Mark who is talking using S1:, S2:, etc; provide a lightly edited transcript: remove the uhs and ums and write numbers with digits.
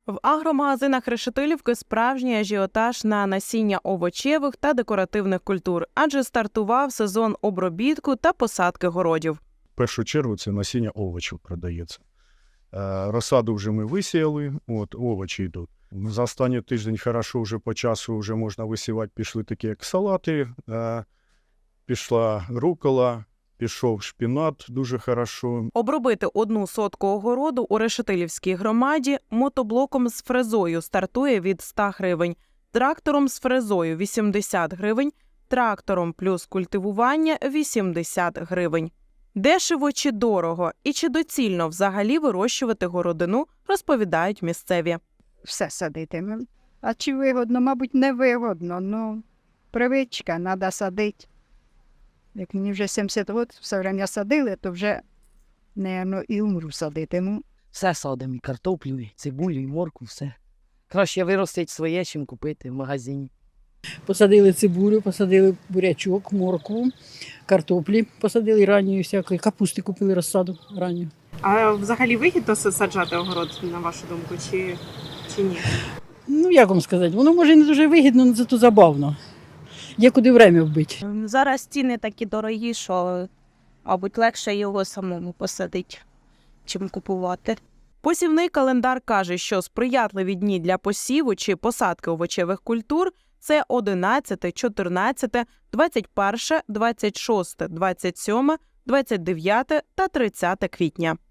S1: В агромагазинах Решетилівки справжній ажіотаж на насіння овочевих та декоративних культур, адже стартував сезон обробітку та посадки городів.
S2: В першу чергу це насіння овочів продається. Розсаду вже ми висіяли, овочі йдуть. За останній тиждень хорошо вже по часу вже можна висівати, пішли такі як салати, пішла рукола, пішов шпінат дуже хорошо.
S1: Обробити 1 сотку огороду у Решетилівській громаді мотоблоком з фрезою стартує від 100 гривень, трактором з фрезою – 80 гривень, трактором плюс культивування – 80 гривень. Дешево чи дорого і чи доцільно взагалі вирощувати городину, розповідають місцеві.
S3: Все садитимемо. А чи вигодно? Мабуть, не вигодно. Ну, привичка, треба садити. Як мені вже 70 років, все время садили, то вже, напевно, і умру садитиму.
S4: Все садимо, і картоплю, і цибулю, і морку, все. Краще виростить своє, чим купити в магазині.
S5: Посадили цибулю, посадили бурячок, моркву, картоплі, посадили ранньої всякої, капусти купили розсаду ранню.
S6: А взагалі вигідно саджати огород, на вашу думку, чи ні?
S5: Ну, як вам сказати, воно може і не дуже вигідно, але зато забавно. Є куди время вбити.
S7: Зараз ціни такі дорогі, що, мабуть, легше його самому посадити, чим купувати.
S1: Посівний календар каже, що сприятливі дні для посіву чи посадки овочевих культур – це 11, 14, 21, 26, 27, 29 та 30 квітня.